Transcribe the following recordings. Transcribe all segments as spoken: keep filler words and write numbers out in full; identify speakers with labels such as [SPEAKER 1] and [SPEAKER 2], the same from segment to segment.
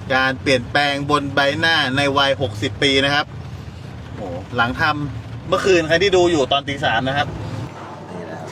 [SPEAKER 1] การเปลี่ยนแปลงบนใบหน้าในวัยหกสิบปีนะครับโอ้หลังทำเมื่อคืนใครที่ดูอยู่ตอนตีสามนะครับนี่นะครับ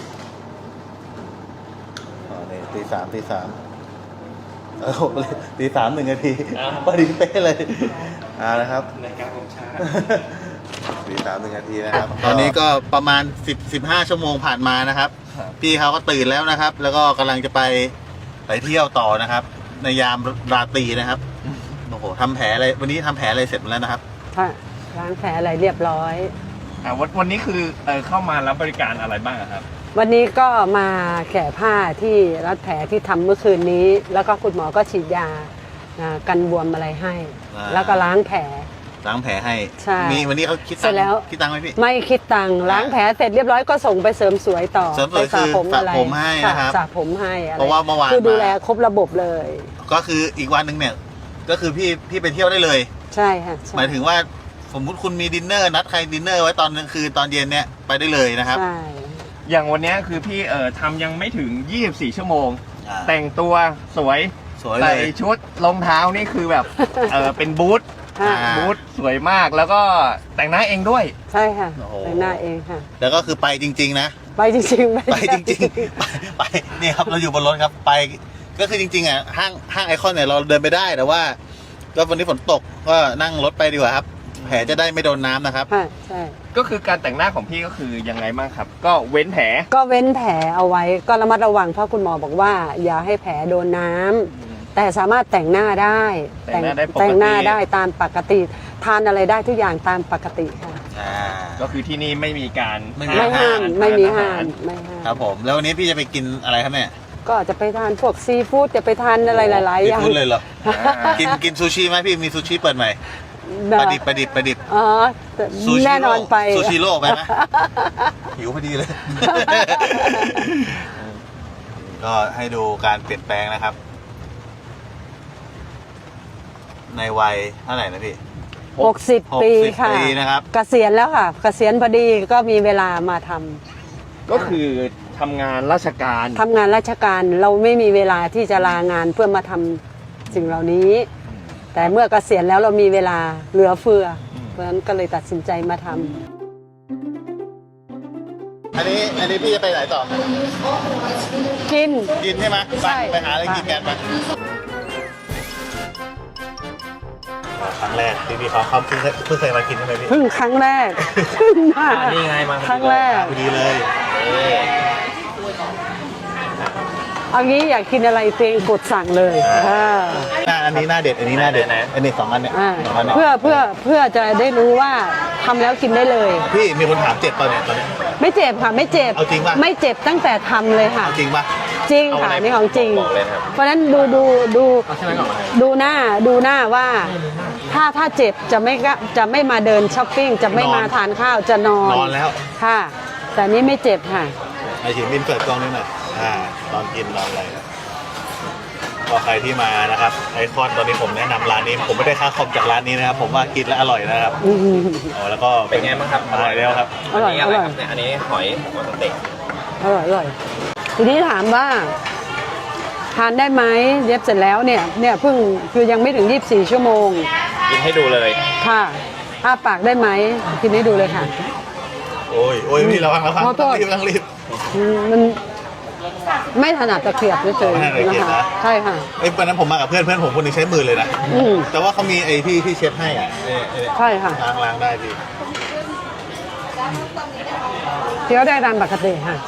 [SPEAKER 1] อ๋อนี่ตีสามตีสามเออตีสามหนึ่งนาทีพอดีเป๊ะเลยอ่านะครับในการของชาตีสามหนึ่งนาทีนะครับตอนนี้ก็ประมาณสิบสิบห้าชั่วโมงผ่านมานะครับพี่เขาก็ตื่นแล้วนะครับแล้วก็กำลังจะไปไปเที่ยวต่อนะครับในยามราตรีนะครับโอ้โหทำแผลอะไรวันนี้ทำแผลอะไรเสร็จหมดแล้วนะครับ
[SPEAKER 2] ล้างแผลอะไรเรียบร้อย
[SPEAKER 3] อ่าวันวันนี้คือเออเข้ามารับบริการอะไรบ้างครับ
[SPEAKER 2] วันนี้ก็มาแกะผ้าที่รัดแผลที่ทำเมื่อคืนนี้ แล้วก็คุณหมอก็ฉีดยากันบวมอะไรให้ แล้วก็ล้างแผล
[SPEAKER 1] ล้างแผลให้
[SPEAKER 2] ใช่
[SPEAKER 1] มีวันนี้เขาคิดตังค์คิดตังค์ไหมพี่
[SPEAKER 2] ไม่คิดตังค์ล้างแผลเสร็จเรียบร้อยก็ส่งไปเสริมสวยต่อ
[SPEAKER 1] เสริมสวยคือสระผมให้นะครับ
[SPEAKER 2] สระผมให้
[SPEAKER 1] เพราะว่าเมื่อวาน
[SPEAKER 2] คือดูแลครบระบบเลย
[SPEAKER 1] ก็คืออีกวันหนึ่งเนี่ยก็คือพี่พี่ไปเที่ยวได้เลย
[SPEAKER 2] ใช่ค่ะ
[SPEAKER 1] หมายถึงว่าสมมุติคุณมีดินเนอร์นัดใครดินเนอร์ไว้ตอนกลางคืนตอนเย็นเนี่ยไปได้เลยนะครับ
[SPEAKER 2] ใช่
[SPEAKER 3] อย่างวันนี้คือพี่เอ่อทำยังไม่ถึงยี่สิบสี่ชั่วโมงแต่งตัวสวยใส่ชุดรองเท้านี่คือแบบเออเป็นบูทบูทสวยมากแล้วก็แต่งหน้าเองด้วย
[SPEAKER 2] ใช่ค่ะแต่งหน้าเองค่ะ
[SPEAKER 1] แล้วก็คือไปจริงๆนะ
[SPEAKER 2] ไปจริง
[SPEAKER 1] ๆไปจริงๆไปไปนี่ครับเราอยู่บนรถครับไปก็คือจริงๆอ่ะห้างห้างไอคอนเนี่ยเราเดินไปได้แต่ว่าก็วันนี้ฝนตกก็นั่งรถไปดีกว่าครับแผลจะได้ไม่โดนน้ำนะครับ
[SPEAKER 2] ใช่
[SPEAKER 3] ก็คือการแต่งหน้าของพี่ก็คือยังไงบ้างครับก็เว้นแผล
[SPEAKER 2] ก็เว้นแผลเอาไว้ก็ระมัดระวังเพราะคุณหมอบอกว่าอย่าให้แผลโดนน้ำแต่สามารถแต่งหน้าได้
[SPEAKER 3] แต่งหน้าได้ปกติ
[SPEAKER 2] แต่งหน้าได้ตามปกติทานอะไรได้ทุกอย่างตามปกติค่ะ
[SPEAKER 3] ก็คือที่นี่ไม่มีการ
[SPEAKER 2] ไม่ห้ามไม่มีห้ามไม่ห้าม
[SPEAKER 1] ครับผมแล้ววันนี้พี่จะไปกินอะไรครับแม่
[SPEAKER 2] ก็จะไปทานพวกซีฟู้ดจะไปทานอะไรหลายๆอย่าง
[SPEAKER 1] ซีฟู้ดเลยเหรอกินกินซูชิไหมพี่มีซูชิเปิดใหม่ประดิบประดิบประดิบ
[SPEAKER 2] อ๋อแน่นอนไป
[SPEAKER 1] ซูชิโร่ไปไหมหิวพอดีเลยก็ให้ดูการเปลี่ยนแปลงนะครับในวัยเท่าไหร่นะพี่
[SPEAKER 2] หกสิบปีค่ะ
[SPEAKER 1] นะครับ
[SPEAKER 2] เกษียณแล้วค่ะเกษียณพอดีก็มีเวลามาท
[SPEAKER 3] ำก็คือทำงานราชการ
[SPEAKER 2] ทำงานราชการเราไม่มีเวลาที่จะลางานเพื่อมาทำสิ่งเหล่านี้แต่เมื่อเกษียณแล้วเรามีเวลาเหลือเฟือเพราะฉะนั้นก็เลยตัดสินใจมาท
[SPEAKER 1] ำอันนี้อันนี้พี่จะไปไหนต่อ
[SPEAKER 2] กิน
[SPEAKER 1] กินใช่ไหมไปไปหาอะไรกินกันไปครั้งแรกที่พี่เขาเขาเพิ่งเพิ่งเคยมากินใช่ไหมพี่
[SPEAKER 2] เพิ่งครั้งแรกเพิ่งมา
[SPEAKER 3] นี่ไงมา
[SPEAKER 2] ครั้งแรก
[SPEAKER 1] พอดีเลย
[SPEAKER 2] เอางี้อยากกินอะไรเตียงกดสั่งเลย
[SPEAKER 1] อันนี้หน้าเด็ดอันนี้หน้าเด็ดนะอันนี้สองอันเนี่ย
[SPEAKER 2] เพื่อเพื่อเพื่อจะได้รู้ว่าทำแล้วกินได้เลย
[SPEAKER 1] พี่มีคนถามเจ็บตอนนี้ตอนนี้
[SPEAKER 2] ไม่เจ็บค่ะไม่เจ็บ
[SPEAKER 1] เอาจริงป่ะ
[SPEAKER 2] ไม่เจ็บตั้งแต่ทำเลยค่ะ
[SPEAKER 1] จริงป่ะ
[SPEAKER 2] จริงค่ะนี่ของจริงเพราะฉะนั้นดูดูดูดูหน้าดูหน้าว่าถ้าถ้าเจ็บจะไม่จะไม่มาเดินช้อปปิ้งจะไม่มาทานข้าวจะนอน
[SPEAKER 1] นอนแล้ว
[SPEAKER 2] ค่ะแต่นี้ไม่เจ็บค่ะ
[SPEAKER 1] ไอฉีดบินเปิดกล้องนิดหน่อยอ่าตอนกินนอนอะไรก็ใครที่มานะครับไอคอนตอนนี้ผมแนะนำร้านนี้ผมไม่ได้ค่าคอมจากร้านนี้นะครับผมว่ากินแล้วอร่อยนะครับอ๋อแล้วก็
[SPEAKER 3] เป็นไงบ้างครับ
[SPEAKER 1] อร่อยแล้วครับ
[SPEAKER 2] อร่อยอร่อย
[SPEAKER 3] อันนี้หอยหัวสเต็ก
[SPEAKER 2] อร่อยอร่อยทีนี้ถามว่าทานได้ไหมเย็บเสร็จแล้วเนี่ยเนี่ยเพิ่งคือยังไม่ถึงยี่สิบสี่ชั่วโมง
[SPEAKER 3] กินให้ดูเลย
[SPEAKER 2] ค่ะอ้าปากได้ไหมกินให้ดูเลยค่ะ
[SPEAKER 1] โอ้ยโอ้ยพี่ระวังระวังต้องรีบต้องรีบ
[SPEAKER 2] มันไม่ถนัดตะเกียบเฉยๆนะคะใช่ค่ะ
[SPEAKER 1] ไอ้วันนั้นผมมากับเพื่อนเพื่อนผมคนนึงใช้มือเลยนะแต่ว่าเขามีไอ้ที่ที่เช็ดให้อ่ะ
[SPEAKER 2] ใช่ค่ะ
[SPEAKER 1] ล้างล้างได้ดี
[SPEAKER 2] เคี้ยวได้ตามปกติค่ะ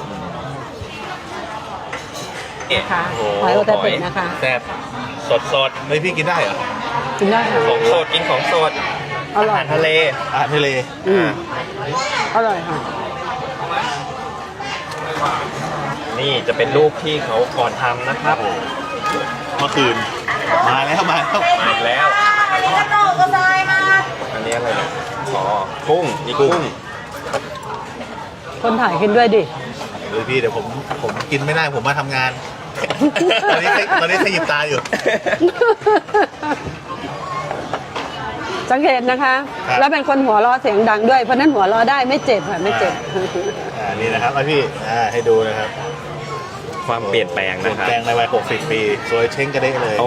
[SPEAKER 2] ค่ะหอยโอตาเตะนะคะ
[SPEAKER 3] แซ่บสดสด
[SPEAKER 1] เฮ้ยพี่กินได้เหรอ
[SPEAKER 2] กินได้ค่ะ
[SPEAKER 3] ของสดกินของสดอาหารทะเล
[SPEAKER 1] อาหารทะเล
[SPEAKER 2] อืมอร่อยค่ะ
[SPEAKER 3] นี่จะเป็นรูปที่เขาก่อนทำนะครับ
[SPEAKER 1] เมื่อคืนมาแล้วมาแล้ว
[SPEAKER 3] มาแล้วอันนี้อะไรเนี่ยอ๋อกุ้งนี่กุ้ง
[SPEAKER 2] คนถ่ายกินด้วยดิ
[SPEAKER 1] เดี๋ยวพี่เดี๋ยวผมผมกินไม่ได้ผมมาทำงานตอนนี้ตอนนี้ขยิบตาอยู่
[SPEAKER 2] สังเกตนะคะแล้วเป็นคนหัวเราะเสียงดังด้วยเพราะนั้นหัวเราะได้ไม่เจ็บค่ะไม่เจ็บ
[SPEAKER 1] อ่านี่นะครับพี่อ่าให้ดูนะครับ
[SPEAKER 3] ความเปลี่ยนแปลงนะครับ
[SPEAKER 1] เปลี่ยนแปลงในวัยหกสิบปีสวยเช้งกระเด้เลย